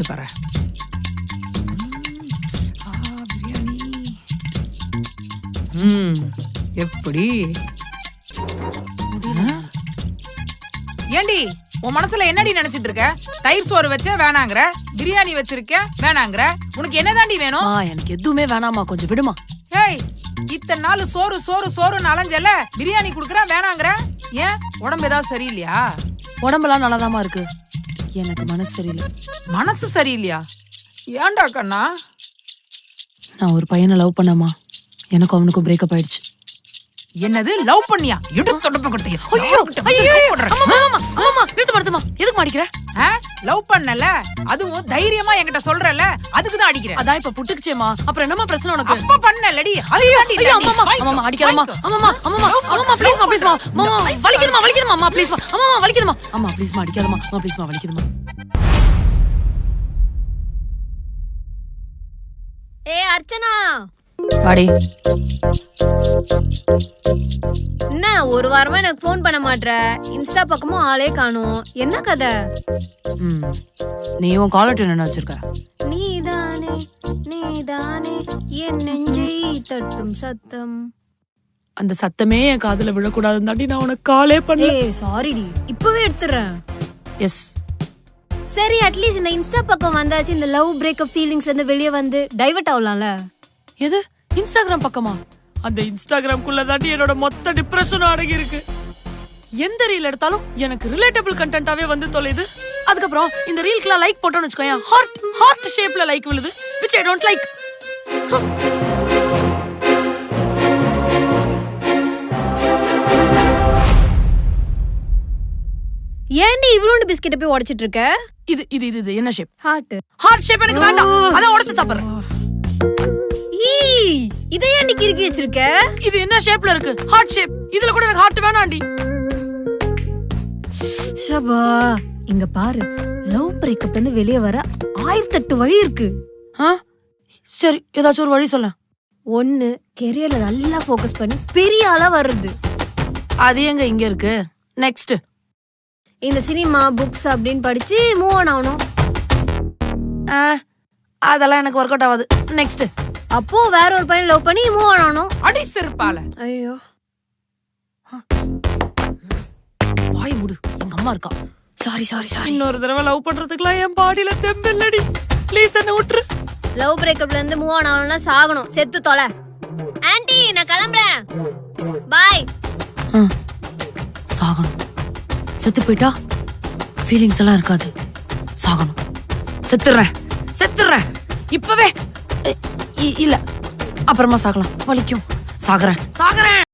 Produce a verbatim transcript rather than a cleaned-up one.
பாரு. பிரியாணி ம் எப்படி ஏண்டி உன் மனசுல என்னடி நினைச்சிட்டு இருக்க? தயிர் சோறு வச்ச வேணாங்கற, பிரியாணி வச்சிருக்க வேணாங்கற, உனக்கு என்னதாண்டி வேணும்? எனக்கு எதுவுமே வேணாமா, கொஞ்சம் விடுமா. ஏய், இத்தனை நாள் சோறு சோறு சோறுன்னு அலைஞ்சல, பிரியாணி குடுக்கற வேணாங்கற. ஏன் உடம்பு ஏதாவது சரியில்லையா? உடம்பெல்லாம் நல்லாதாமா இருக்கு, எனக்கு மனசு சரியில்லை. மனசு சரியில்லையா? ஏன்டா கண்ணா? நான் ஒரு பையனை லவ் பண்ணமா, எனக்கு அவனுக்கும் பிரேக்கப் ஆயிடுச்சு. என்னது லவ் பண்ணியா? இடு தொடப்பு கொடுத்தியா? ஐயோ ஐயோ அம்மா அம்மா அம்மா நிறுத்து மறந்துமா, எதுக்கு மாடிக்கிற? லவ் பண்ணல, அதுவும் தைரியமா என்கிட்ட சொல்றல, அதுக்கு தான் அடிக்கிற. அதான் இப்ப புட்டுக்குச்சேமா, அப்புறம் என்னமா பிரச்சனை உனக்கு? அப்ப பண்ணலடி, ஐயோ அம்மா அம்மா அடிக்காதம்மா, அம்மா அம்மா அம்மா ப்ளீஸ் மா ப்ளீஸ் மா, அம்மா வலிக்குதுமா வலிக்குதுமா, அம்மா ப்ளீஸ் மா, அம்மா வலிக்குதுமா, அம்மா ப்ளீஸ் மா அடிக்காதம்மா, அம்மா ப்ளீஸ் மா வலிக்குதுமா. ஏ அர்ச்சனா, வாடி. என்ன ஒரு வாரமா எனக்கு ஃபோன் பண்ண மாட்ற, இன்ஸ்டா பக்கமும் ஆளே காணோம், என்ன கதை? ம் நீ உன் காலர் டியூன் என்ன வச்சிருக்க? நீதானே நீதானே என் நெஞ்சை தட்டும் சத்தம். அந்த சத்தமே என் காதுல விழக்கூடாதுன்னு தாண்டி நான் உனக்கு காலே பண்ணல. ஏய் சாரிடி, இப்பவே எடுத்துறேன். எஸ் சரி, அட்லீஸ்ட் இந்த இன்ஸ்டா பக்கம் வந்தாச்சு, இந்த லவ் பிரேக்கப் ஃபீலிங்ஸ் வந்து வெளியே வந்து டைவர்ட் ஆகலாம்ல. எது இன்ஸ்டாகிராம் பக்கமா? அந்த இன்ஸ்டாகிராம்குள்ள தாண்டி என்னோட மொத்த டிப்ரெஷனும் அடங்கி இருக்கு. எந்த ரீல் எடுத்தாலும் எனக்கு ரிலேட்டபிள் கண்டென்ட்டாவே வந்து தொலைது. அதுக்கப்புறம் இந்த ரீல்க்குலாம் லைக் போட்டோன்னு வச்சுக்கோயேன், ஹார்ட் ஹார்ட் ஷேப்ல லைக் விழுது, which I don't like. ஏன்டி இவ்ளோண்டு பிஸ்கெட்டை போய் உடைச்சிட்டு இருக்க? இது இது இது என்ன ஷேப்? ஹார்ட். ஹார்ட் ஷேப் எனக்கு வேண்டாம், அதான் உடைச்சு சாப்பிடுறேன். ஈ, இதை ஏன்டி கிறுக்கி வச்சிருக்க? இது என்ன ஷேப்ல இருக்கு? Heart shape. இதுல கூட எனக்கு ஹார்ட் வேணாம்டி. ஷபா, இங்க பாரு, லவ் பிரேக்கப்ல இருந்து வெளியே வர ஆயிரத்தி எட்டு வழி இருக்கு. சரி, ஏதாச்சும் ஒரு வழி சொல்ல. ஒன்னு, கெரியர்ல நல்லா ஃபோக்கஸ் பண்ணி பெரிய ஆளா வர்றது. அது எங்க இங்க இருக்கு? நெக்ஸ்ட், இந்த சினிமா புக்ஸ் அப்படின்னு படிச்சு மூவ் ஆன் ஆகணும். அதெல்லாம் எனக்கு ஒர்க் அவுட் ஆகாது. நெக்ஸ்ட், அப்போ வேற ஒரு பையன் லவ் பண்ணி மூவ் ஆன் ஆகணும். அடி செருப்பால. ஐயோ, வாய் மூடு, எங்க அம்மா இருக்கா. Sorry sorry sorry. இன்னொரு தடவை லவ் பண்றதுக்குலாம் என் பாடியில தெம்பில்லடி, ப்ளீஸ் என்ன விட்டுரு. லவ் பிரேக்கப்ல இருந்து மூவ் ஆன் ஆகணும்னா சாகணும், செத்து தொலை. ஆன்ட்டி, நான் கிளம்புறேன், பாய். சாகணும். செத்து போயிட்டா ஃபீலிங்ஸ் எல்லாம் இருக்காது. சாகணும். செத்துறேன் செத்துறேன் இப்பவே. இல்ல, அப்புறமா சாகலாம், வலிக்கும். சாகுறேன் சாகுறேன்.